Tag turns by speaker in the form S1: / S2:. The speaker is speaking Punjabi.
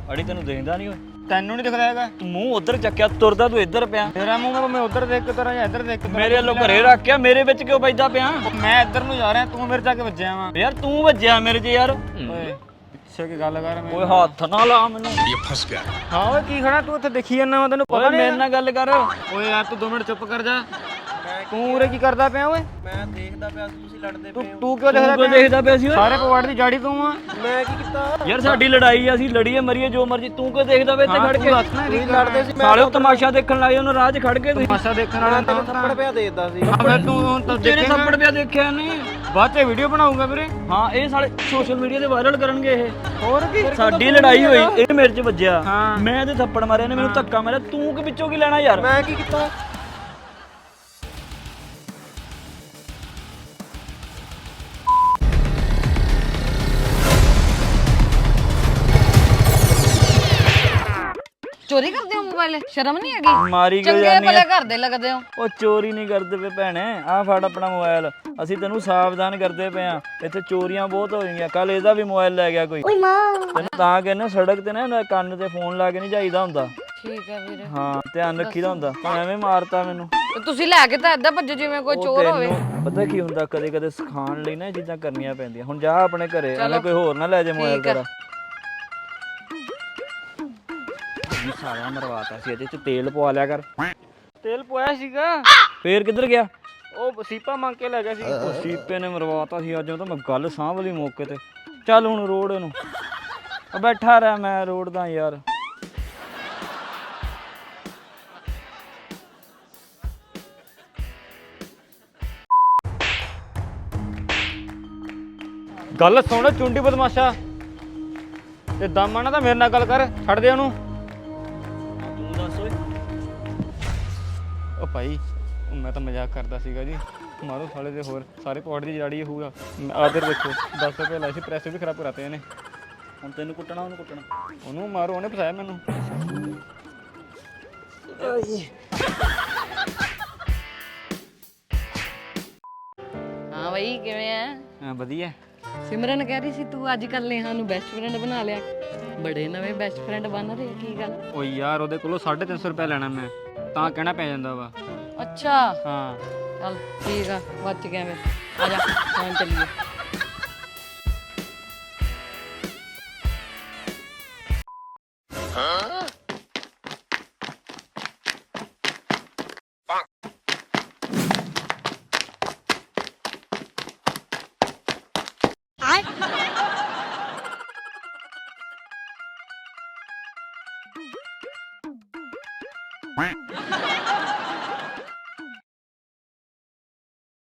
S1: ਅੜੀ ਤੈਨੂੰ ਦੇਖਦਾ ਨਹੀਂ ਓਏ?
S2: ਤੈਨੂੰ ਨਹੀਂ ਦਿਖਦਾ ਹੈਗਾ?
S1: ਤੂੰ ਮੂੰਹ ਉਧਰ ਚੱਕਿਆ ਤੁਰਦਾ ਤੂੰ ਇੱਧਰ ਪਿਆ।
S2: ਤੇਰਾ ਮੂੰਹ ਮੈਂ ਉਧਰ ਦੇਖ ਕੇ ਤੇਰਾ ਜਾਂ ਇੱਧਰ ਦੇਖ ਕੇ
S1: ਮੇਰੇ ਵੱਲੋਂ ਘਰੇ ਰੱਖਿਆ, ਮੇਰੇ ਵਿੱਚ ਕਿਉਂ ਵੱਜਦਾ ਪਿਆ?
S2: ਮੈਂ ਇੱਧਰ ਨੂੰ ਜਾ ਰਿਹਾ, ਤੂੰ ਮੇਰੇ ਜਾ ਕੇ ਵੱਜਿਆ ਵਾ।
S1: ਯਾਰ ਤੂੰ ਵੱਜਿਆ ਮੇਰੇ 'ਚ ਯਾਰ।
S2: ਓਏ ਪਿੱਛੇ ਕੀ ਗੱਲ ਕਰ
S1: ਓਏ ਹੱਥ ਨਾ ਲਾ ਮੈਨੂੰ।
S2: ਹਾਂ ਓਏ ਕੀ ਖੜਾ ਤੂੰ ਉੱਥੇ ਦੇਖੀ ਜਾਂਦਾ ਵਾ, ਤੈਨੂੰ ਪਤਾ
S1: ਓਏ
S2: ਨਹੀਂ?
S1: ਮੇਰੇ ਨਾਲ ਗੱਲ ਕਰ।
S2: ਓਏ ਯਾਰ ਤੂੰ 2 ਮਿੰਟ ਚੁੱਪ ਕਰ ਜਾ। ਤੂੰ ਉਰੇ ਕੀ ਕਰਦਾ ਪਿਆ ਓਏ?
S3: ਮੈਂ ਦੇਖਦਾ ਪਿਆ ਸੀ ਤੁਸੀਂ ਲੜਦੇ ਪਏ ਹੋ।
S2: ਤੂੰ ਕਿਉਂ ਦੇਖਦਾ
S1: ਤੂੰ ਦੇਖਦਾ ਪਿਆ ਸੀ ਓਏ?
S2: ਸਾਰੇ ਪਵਾੜ ਦੀ ਜਾੜੀ ਤੂੰ ਆ।
S3: ਮੈਂ ਕੀ ਕੀਤਾ?
S1: ਯਾਰ ਸਾਡੀ ਲੜਾਈ ਆ, ਅਸੀਂ ਲੜੀਏ ਮਰੀਏ ਜੋ ਮਰਜੀ, ਤੂੰ ਕਿਉਂ ਦੇਖਦਾ ਪਿਆ ਇੱਥੇ ਖੜ ਕੇ?
S2: ਤੁਸੀਂ
S3: ਲੜਦੇ ਸੀ,
S1: ਸਾਲੇ ਉਹ ਤਮਾਸ਼ਾ ਦੇਖਣ ਲੱਗੇ ਉਹਨੂੰ ਰਾਹ 'ਚ ਖੜ ਕੇ ਤੁਸੀਂ।
S2: ਤਮਾਸ਼ਾ ਦੇਖਣ ਵਾਲਾ
S3: ਤੈਨੂੰ ਥੱਪੜ ਪਿਆ ਦੇਦਾ ਸੀ।
S2: ਮੈਂ ਤੂੰ ਹੁਣ ਤਾਂ
S1: ਤੇਰੇ
S2: ਦੇਖੇਂਗਾ।
S1: ਥੱਪੜ ਪਿਆ ਦੇਖਿਆ ਨਹੀਂ?
S2: ਬਾਅਦ ਚ ਵੀਡੀਓ ਬਣਾਉਂਗਾ ਵੀਰੇ।
S1: ਹਾਂ ਇਹ ਸਾਲੇ ਸੋਸ਼ਲ ਮੀਡੀਆ ਤੇ ਵਾਇਰਲ ਕਰਨਗੇ ਇਹ।
S2: ਹੋਰ ਕੀ?
S1: ਸਾਡੀ ਲੜਾਈ ਹੋਈ, ਇਹ ਮੇਰੇ 'ਚ ਵੱਜਿਆ,
S2: ਹਾਂ।
S1: ਮੈਂ ਇਹਦੇ ਥੱਪੜ ਮਾਰਿਆ, ਨੇ ਮੈਨੂੰ ਧੱਕਾ ਮਾਰਿਆ, ਤੂੰ ਕਿ ਵਿੱਚੋਂ ਕੀ ਲੈਣਾ ਯਾਰ?
S3: ਮੈਂ ਕੀ ਕੀਤਾ?
S4: ਚੋਰੀ ਕਰਦੇ ਹੋ ਮੋਬਾਈਲ? ਸ਼ਰਮ ਨਹੀਂ ਹੈਗੀ?
S1: ਮਾਰੀ ਕਿਉਂ
S4: ਚੰਗੇ
S1: ਜਾਂਦੀ
S4: ਭਲੇ
S1: ਆ?
S4: ਘਰ ਦੇ ਲੱਗਦੇ ਹੋ।
S1: ਉਹ ਚੋਰੀ ਨਹੀਂ ਕਰਦੇ ਪਏ ਭੈਣੇ, ਆਹ ਫੜ ਆਪਣਾ ਮੋਬਾਈਲ। ਅਸੀਂ ਤੈਨੂੰ ਸਾਵਧਾਨ ਕਰਦੇ ਪਏ ਆ, ਇੱਥੇ ਚੋਰੀਆਂ ਬਹੁਤ ਹੋ ਗਈਆਂ। ਕੱਲ ਇਹਦਾ ਵੀ ਮੋਬਾਈਲ ਲੈ ਗਿਆ ਕੋਈ। ਤੈਨੂੰ ਤਾਂ ਕਹਿੰਦੇ ਸੜਕ ਤੇ ਨਾ ਕੰਨ ਤੇ ਫੋਨ ਲਾ ਕੇ ਨਹੀਂ ਜਾਈਦਾ ਹੁੰਦਾ।
S4: ਠੀਕ ਹੈ ਵੀਰੇ।
S1: ਹਾਂ ਧਿਆਨ ਰੱਖੀਦਾ ਹੁੰਦਾ। ਤੂੰ ਐਵੇਂ ਮਾਰਤਾ ਮੈਨੂੰ।
S4: ਤੇ ਤੁਸੀਂ ਲੈ ਕੇ ਤਾਂ ਏਦਾਂ ਭੱਜੋ ਜਿਵੇਂ ਕੋਈ
S1: ਉਹ
S4: ਚੋਰ ਹੋਵੇ।
S1: ਤੈਨੂੰ ਪਤਾ ਕੀ ਹੁੰਦਾ, ਕਦੇ ਕਦੇ ਸਿਖਾਉਣ ਲਈ ਨਾ ਇਹ ਚੀਜ਼ਾਂ ਕਰਨੀਆਂ ਪੈਂਦੀਆਂ। ਹੁਣ ਜਾ ਆਪਣੇ ਘਰੇ, ਐਵੇਂ ਕੋਈ ਹੋਰ ਨਾ ਲੈ ਜਾ ਮੋਬਾਈਲ
S4: ਠੀਕ ਆ।
S1: ਤੇਰਾ। ਸਾਰਾ ਮਰਵਾਤਾ ਸੀ, ਇਹਦੇ ਚ ਤੇਲ ਪਵਾ ਲਿਆ ਕਰ।
S2: ਤੇਲ ਪੋਇਆ ਸੀਗਾ,
S1: ਫੇਰ ਕਿੱਧਰ ਗਿਆ?
S2: ਉਹ ਸੀਪਾ ਮੰਗ ਕੇ ਲੈ ਗਿਆ ਸੀ।
S1: ਉਹ ਸੀਪੇ ਨੇ ਮਰਵਾਤਾ ਸੀ ਅੱਜ। ਉਹ ਤਾਂ ਮੈਂ ਗੱਲ ਸਾਂਭ ਲਈ ਮੌਕੇ ਤੇ। ਚੱਲ ਹੁਣ ਰੋਡ ਇਹਨੂੰ। ਬੈਠਾ ਰਹਿ, ਮੈਂ ਰੋਡ ਦਾ ਯਾਰ।
S2: ਗੱਲ ਸੁਣ ਚੁੰਡੀ ਬਦਮਾਸ਼ਾ, ਤੇ ਦਮ ਆਣਾ ਤਾਂ ਮੇਰੇ ਨਾਲ ਗੱਲ ਕਰ, ਛੱਡ ਦੇ ਉਹਨੂੰ।
S1: ਤੂੰ ਦੱਸ ਓਏ।
S2: ਉਹ ਭਾਈ ਮੈਂ ਤਾਂ ਮਜ਼ਾਕ ਕਰਦਾ ਸੀਗਾ ਜੀ। ਮਾਰੋ ਸਾਲੇ ਦੇ ਹੋਰ ਸਾਰੇ ਪੌੜ ਦੀ ਜੜੀ ਹੋਊਗਾ। ਆਦਰ ਦੇਖੋ 10 ਰੁਪਏ ਲਾਏ ਸੀ, ਪੈਸੇ ਵੀ ਖਰਾਬ ਕਰਾਤੇ ਇਹਨੇ।
S1: ਹੁਣ ਤੈਨੂੰ ਕੁੱਟਣਾ ਉਹਨੂੰ ਕੁੱਟਣਾ?
S2: ਉਹਨੂੰ ਮਾਰੋ, ਉਹਨੇ ਫਸਾਇਆ ਮੈਨੂੰ।
S4: ਹਾਂ ਬਈ ਕਿਵੇਂ ਆ?
S2: ਹਾਂ ਵਧੀਆ।
S4: ਸਿਮਰਨ ਕਹਿ ਰਹੀ ਸੀ ਤੂੰ ਅੱਜ ਕੱਲ ਨੇਹਾ ਨੂੰ ਬੈਸਟ ਫਰੈਂਡ ਬਣਾ ਲਿਆ। ਬੜੇ ਨਵੇਂ ਬੈਸਟ ਫਰੈਂਡ ਬਣ ਰਹੇ, ਕੀ ਗੱਲ?
S2: ਓ ਯਾਰ ਉਹਦੇ ਕੋਲੋਂ 350 ਰੁਪਏ ਲੈਣਾ ਮੈਂ, ਤਾਂ ਕਹਿਣਾ ਪੈ ਜਾਂਦਾ ਵਾ।
S4: ਅੱਛਾ
S2: ਹਾਂ
S4: ਚੱਲ ਠੀਕ ਆ, ਬਚ ਗਿਆ ਮੈਂ। ਆ ਜਾ ਹੁਣ ਚੱਲੀਏ।